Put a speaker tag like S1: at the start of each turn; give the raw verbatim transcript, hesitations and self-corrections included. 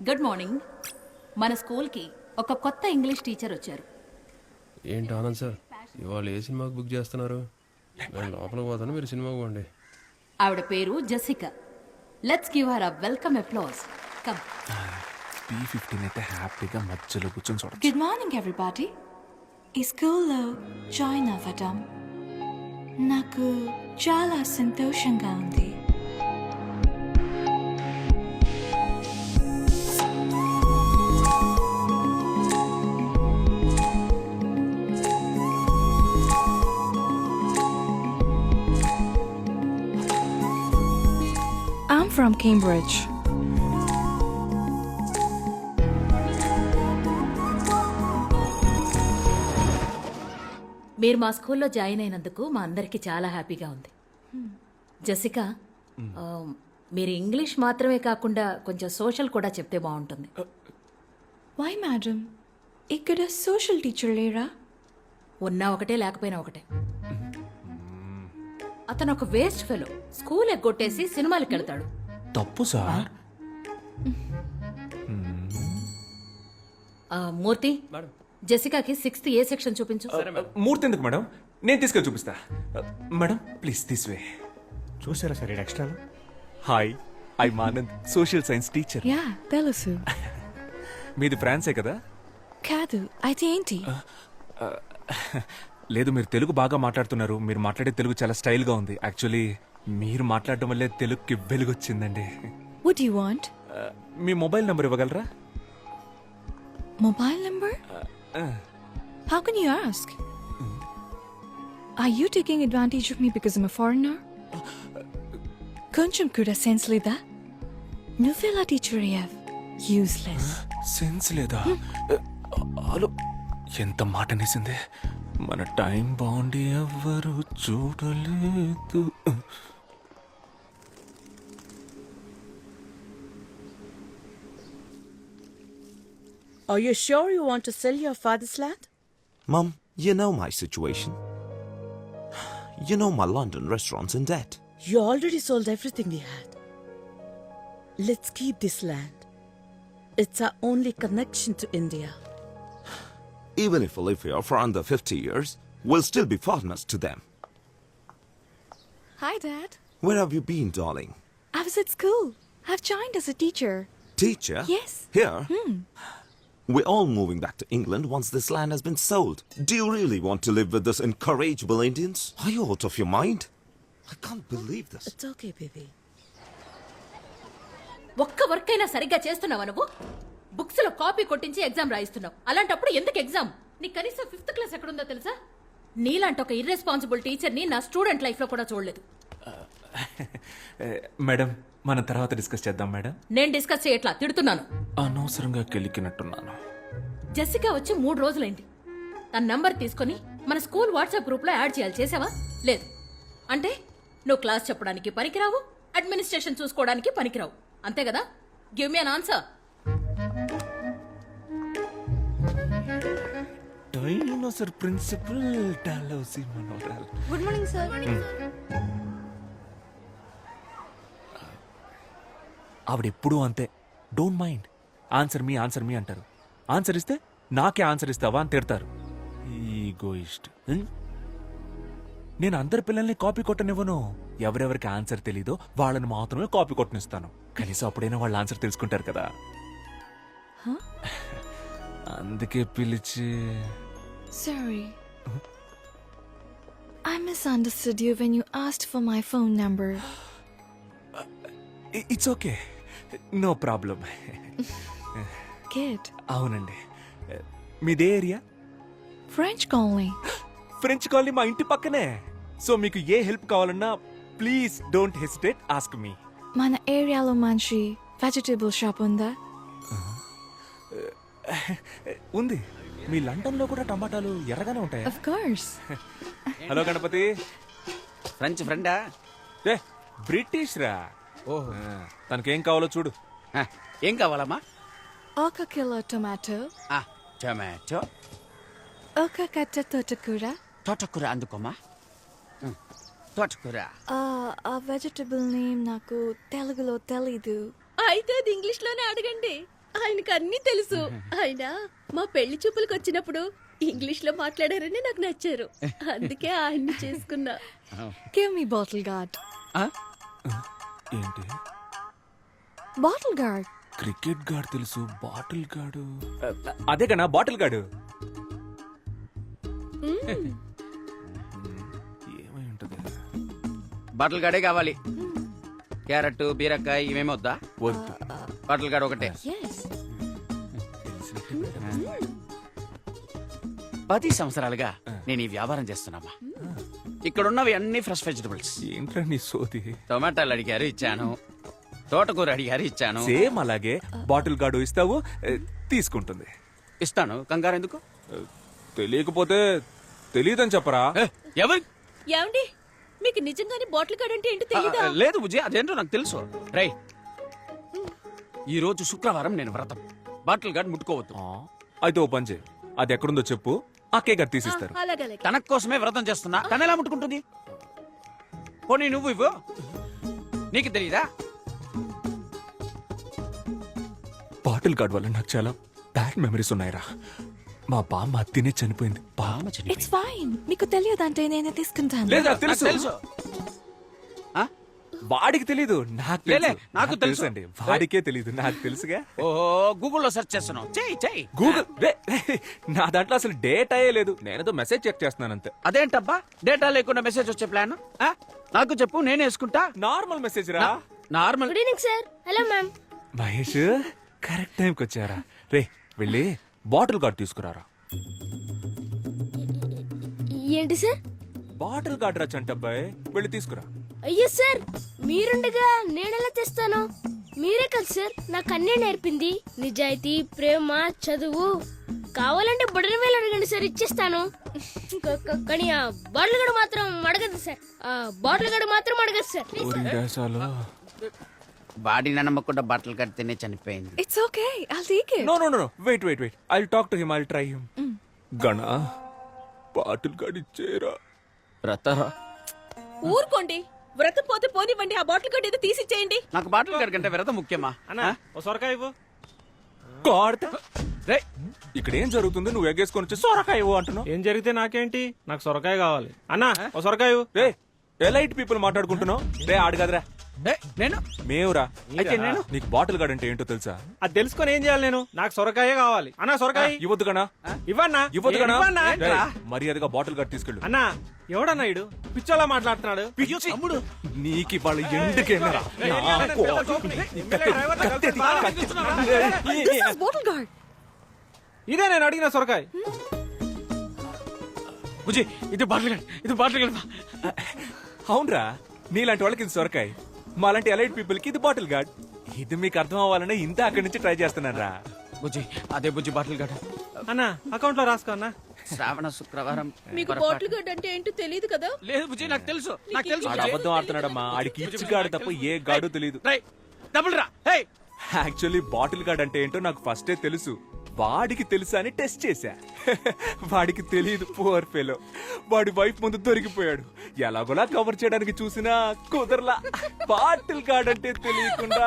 S1: Good morning. మన స్కూల్కి ఒక కొత్త ఇంగ్లీష్ టీచర్ వచ్చారు.
S2: ఏంటి ఆనంద్ సార్ ఇవాళ ఏ సినిమాకి బుక్ చేస్తున్నారు? నేను లోపలికి పోతాను, మీరు సినిమాకి పోండి.
S1: ఆవిడ పేరు Jessica. Let's give her uh welcome applause. Come.
S3: B fifteen అయితే హ్యాపీగా మధ్యలో కూర్చొని చూడ.
S4: Good morning everybody. ఈ స్కూల్లో జాయిన్ అవ్వడం నాకు చాలా సంతోషంగా ఉంది. I'm from Cambridge.
S1: మీరు మా స్కూల్లో జాయిన్ అయినందుకు మా అందరికీ చాలా హ్యాపీగా ఉంది. జెసికా, ఆ, మీరు ఇంగ్లీష్ మాత్రమే కాకుండా కొంచెం సోషల్ కూడా చెప్తే బాగుంటుంది.
S4: Why, madam? ఇక్కడ సోషల్ టీచర్ లేరా?
S1: ఉన్నా ఒకటే లేకపోయినా ఒకటే. అతను ఒక వేస్ట్ ఫెలో. స్కూల్ ఎగ్గొట్టేసి సినిమాలకు వెళ్తాడు.
S3: తప్పు సార్.
S1: ఆ, మూర్తి, జెసికాకి సిక్స్త్ ఏ సెక్షన్ చూపించు.
S3: మూర్తి ఎందుకు మేడం? నేను తీసుకెళ్ళి చూపిస్తా. Madam please this way.
S5: చూసారా sir extra?
S3: Hi, I Anand, social science teacher.
S4: Yeah తెలుసు.
S3: మీది ఫ్రాన్సే కదా?
S4: కాదు, అయితే ఏంటి?
S3: లేదు, మీరు తెలుగు బాగా మాట్లాడుతున్నారు. మీరు మాట్లాడే తెలుగు చాలా స్టైల్గా ఉంది. యాక్చువల్లీ మీరు మాట్లాడడం వల్లే తెలుగుకి వెలుగొచ్చిందండి.
S4: What do you want?
S3: మీ మొబైల్ నెంబర్ ఇవ్వగలరా?
S4: Mobile number? How can you ask? Are you taking advantage of me because I'm a foreigner? కొంచెం కూడా సెన్స్ లేదా? నువ్వెలా టీచర్ అయ్యావ్? యూస్లెస్.
S3: సెన్స్ లేదా? హలో, ఎంత మాట అనేసింది. మన టైం బాగుండి ఎవ్వరు చూడలేదు.
S6: Are you sure you want to sell your father's land?
S7: Mum, you know my situation. You know my London restaurant's in debt.
S6: You already sold everything we had. Let's keep this land. It's our only connection to India.
S7: Even if we live here for under fifty years, we'll still be foreigners to them.
S4: Hi, Dad.
S7: Where have you been, darling?
S4: I was at school. I've joined as a teacher.
S7: Teacher?
S4: Yes.
S7: Here? Hmm. We're all moving back to England once this land has been sold. Do you really want to live with these incorrigible Indians? Are you out of your mind? I can't believe this.
S6: It's okay, baby.
S1: ఒక్క work అయినా సరిగ్గా చేస్తున్నావా నువ్వు? Books లో copy కొట్టించి exam రాయిస్తున్నావు. అలాంటప్పుడు ఎందుకు exam? నీ కనీసం ఫిఫ్త్ క్లాస్ ఎక్కడుందో తెలుసా? నీలాంటి ఒక ఇర్రెస్పాన్సిబుల్ టీచర్ ని నా స్టూడెంట్ లైఫ్ లో కూడా చూడలేదు.
S3: మేడం, మనం తర్వాత డిస్కస్ చేద్దాం మేడం.
S1: నేను డిస్కస్ చేయట్లా, తిడుతున్నాను.
S3: అనవసరంగా కెలికినట్టున్నాను.
S1: జెసికా వచ్చి మూడు రోజులైంది. తన నంబర్ తీసుకుని మన స్కూల్ వాట్సాప్ గ్రూప్ లో యాడ్ చేయాలి. చేసావా? లేదు. అంటే నువ్వు క్లాస్ చెప్పడానికి పనికిరావు, అడ్మినిస్ట్రేషన్ చూసుకోవడానికి పనికిరావు, అంతే కదా? Give me an answer.
S3: Dinosaur principal డాలౌసి మనోరల్.
S4: Good morning sir.
S3: ఆవిడ ఎప్పుడూ అంతే. Don't mind. Answer me answer me అంటారు. ఆన్సర్ ఇస్తే నాకే ఆన్సర్ ఇస్తావా అని తిడతారు. ఈగోయిస్ట్. నేను అందరి పిల్లల్ని కాపీ కొట్టనివ్వను. ఎవరెవరికి ఆన్సర్ తెలీదో వాళ్ళని మాత్రమే కాపీ కొట్టనిస్తాను. కనీసం అప్పుడైనా వాళ్ళ ఆన్సర్ తెలుసుకుంటారు కదా. అందుకే పిలిచి.
S4: Sorry. I misunderstood you when you asked for my phone number.
S3: It's okay, no problem.
S4: Good.
S3: అవునండి. మీదే area?
S4: French colony.
S3: French colony మా ఇంటి పక్కనే. సో మీకు ఏ హెల్ప్ కావాలన్నా please don't hesitate, ask me.
S4: మన ఏరియాలో మంచి వెజిటబుల్ షాప్ ఉందా?
S3: ఉంది. మీ లండన్ లో కూడా టమాటాలు ఎర్రగానే ఉంటాయా?
S4: Of course.
S3: Hello Ganapathi.
S5: French ఫ్రెండా?
S3: ఏ బ్రిటిష్ రా. ఓహో, తనకేం కావాలో చూడు.
S5: ఏం కావాలమ్మా?
S4: ఒక కిలో టొమాటో,
S5: టొమాటో,
S4: ఒక కట్ట తోటకూర.
S5: తోటకూర అందుకోమా. తోటకూర.
S4: ఆ వెజిటబుల్ నేమ్ నాకు తెలుగులో తెలీదు.
S1: అయితే అది ఇంగ్లీష్ లోనే అడగండి.
S8: ఆయనకు అన్ని తెలుసు. ఆయన మా పెళ్లి చూపులకు వచ్చినప్పుడు ఇంగ్లీష్ లో మాట్లాడారని నాకు నచ్చారు. అందుకే ఆయన్ని చేసుకున్నా.
S4: Give me bottle guard.
S5: ఆ?
S3: ఏంటి
S4: Bottle guard.
S3: క్రికెట్ గాడు తెలుసు బాటిల్ గాడు అదే కన్నా బాటిల్ గాడు ఏమై ఉంటది
S5: బాటిల్ గాడే కావాలి. క్యారెట్ బీరకాయ ఇవేమి వద్దా?
S3: వద్దు
S5: బాటిల్ గాడు ఒకటే.
S4: Yes.
S5: పది సంవత్సరాలుగా నేను ఈ వ్యాపారం చేస్తున్నామా. ఇక్కడ ఉన్నవి అన్ని ఫ్రెష్ వెజిటబుల్స్.
S3: ఏంట్రా నీ సోది
S5: టొమాటోలు అడిగారు ఇచ్చాను, తోటకూర అడిగారు ఇచ్చాను.
S3: సేమ్ అలాగే బాటిల్ గాడు ఇస్తావు ఏ, తీసుకుంటుంది
S5: ఇస్తాను, కంగారు ఎందుకు?
S3: ఏ, తెలియకపోతే తెలియదని చెప్పరా
S5: ఏ, ఎవరు?
S8: ఏమండి, మీకు నిజంగానే బాటిల్ కార్డ్ అంటే ఏంటో
S5: ఆ,
S8: తెలీదా?
S5: లేదు బుజ్జి, అదేంటో నాకు తెలుసు. రై, ఈ రోజు శుక్రవారం నేను వ్రతం. బాటిల్ గార్డ్ ముట్టుకోవద్దు.
S3: ఆ, అయితే ఓ పని చేయి అది ఎక్కడుందో చెప్పు ఆ కేక్ అది తీసిస్తారు
S8: అలాగలే.
S5: తన కోసమే వ్రతం చేస్తున్నా, తన ఎలా ముట్టుకుంటుంది? పోనీ నువ్వు ఇవ్వు, నీకు తెలీదా?
S3: బాటిల్ గార్డ్ వల్ల నాకు చాలా బ్యాడ్ మెమరీస్ ఉన్నాయిరా. మా బామ్మ అత్తినే చనిపోయింది బామ్మ
S4: It's fine. మీకు తెలియదంటే నేనే తీసుకుంటాను.
S3: లేదా
S5: నాకు
S3: తెలుసు
S5: తెలుసు. ఆ?
S3: వాడికి తెలీదు నాకు
S5: లేలే,
S3: తెలుసు.
S5: నాకు తెలుసు.
S3: అండి వాడికే తెలీదు నాకు తెలుసుగా
S5: ఓహో, గూగుల్లో సెర్చ్ చేస్తున్నావు. చెయ్యి చెయ్యి.
S3: గూగుల్ రే, రే, నా దాంట్లో అసలు డేట్ అయ్యే లేదు నేనేదో మెసేజ్ చెక్ చేస్తున్నాను అంతే
S5: అదేంటబ్బా, డేటా లేకుండా మెసేజ్ వచ్చే ప్లాన్? నాకు చెప్పు, నేనే వేసుకుంటా.
S3: నార్మల్ మెసేజ్ రా
S5: normal.
S8: Good evening sir. Hello ma'am.
S3: Mahesh correct టైంకి వచ్చారా రే వెళ్ళి బాటిల్ గార్డ్ తీసుకురారా.
S8: ఏంటి సార్?
S3: బాటిల్ గార్డ్ రా చంటబ్బాయ్ వెళ్ళి తీసుకురా.
S8: అయ్యో సార్, మీరుండగా నేనెలా తెస్తాను? మీరే కదా సార్ నాకు అన్నీ నేర్పింది. నిజాయితీ, ప్రేమ, చదువు. కావాలంటే బుడని వేలు అడగండి సార్, ఇచ్చేస్తాను. క- క- కానీ ఆ బాటిల్ గడు మాత్రం అడగదు సార్. ఆ బాటిల్ గడు మాత్రం అడగదు సార్.
S3: ఊరి దేశాలు
S5: బాడీ నమ్మకుండా బట్టలు కడితేనే చనిపోయింది.
S4: It's okay. I'll take it.
S3: No no no wait wait wait I talk to him I try him గణ బాటిల్ గార్డ్ ఇచ్చేరా.
S5: వ్రతరా?
S8: ఊరుకోండి, వ్రతం పోతే పోనివ్వండి. ఆ బాటిల్ కార్డ్ ఏదో తీసిచ్చేయండి.
S5: నాకు బాటిల్ గార్డ్ కంటే వ్రతం ముఖ్యమా?
S3: గాడ్ రే ఇక్కడ ఏం జరుగుతుంది నువ్వు ఎగ్గేసుకొని వచ్చి సొరకాయ ఇవ్వు అంటున్నావు.
S9: ఏం జరిగితే నాకేంటి, నాకు సొరకాయ కావాలి. అన్నా ఓ సొరకాయ ఇవ్వు.
S3: రే ఎలైట్ పీపుల్ మాట్లాడుకుంటున్నావు. రే ఆడు కదరా
S5: ఏ, నేను
S3: మేవురా.
S9: అయితే నేను
S3: నీకు బాటిల్ గార్డ్ అంటే ఏంటో తెలుసా?
S9: అది తెలుసుకొని ఏం చేయాలి నేను? నాకు సొరకాయే కావాలి. అన్నా సొరకాయ
S3: ఇవ్వద్దు గనా
S9: ఇవ్వన్నా.
S3: ఇవ్వద్దు గనా
S9: ఇవ్వన్నా.
S3: రేయ్, మర్యాదగా బాటిల్ గార్డ్ తీసుకెళ్ళు.
S9: అన్నా ఎవడన్నా ఇడు పిచ్చోలా మాట్లాడుతున్నాడు.
S3: తమ్ముడు నీకు వాళ్ళ ఎందుకేమరా
S4: This is bottle guard.
S9: ఇదే నేను అడిగిన సొరకాయ.
S5: బుజ్జి, ఇది బాటిల్ గార్డ్, ఇది బాటిల్ గార్డ్.
S3: అవునరా నీలాంటి వాళ్ళకి ఇది సొరకాయ, మాలాంటి ఎలైట్ పీపుల్ కి ఇది బాటిల్ గార్డ్. ఇది మీకు అర్థం అవ్వాలనే ఇంత అక్కడి నుంచి ట్రై చేస్తున్నాను రా.
S5: బుజ్జి, అదే బుజ్జి బాటిల్ గార్డ్.
S9: అన్నా అకౌంట్ లో రాసుకో అన్నా.
S5: శ్రావణ శుక్రవారం.
S8: మీకు
S5: పొరపాటు.
S8: బాటిల్ కార్డ్ అంటే ఏంటో తెలియదు కదా?
S5: లేదు బుజ్జి, నాకు తెలుసు, నాకు తెలుసు.
S3: ఆడు అబద్ధం ఆడుతున్నాడమ్మా. ఆడికి ఇచ్చి గాడు తప్ప ఏ గాడు తెలియదు.
S5: రై, డబుల్ రా. హే,
S3: యాక్చువల్లీ బాటిల్ గార్డ్ అంటే ఏంటో నాకు ఫస్టే తెలుసు. వాడికి తెలుసా అని టెస్ట్ చేశా. వాడికి తెలియదు పువర్ ఫెలో. వాడి వైఫ్ ముందు దొరికిపోయాడు. ఎలాగోలా కవర్ చేయడానికి చూసినా కుదరలా. బాటిల్ గార్డ్ అంటే తెలియకుండా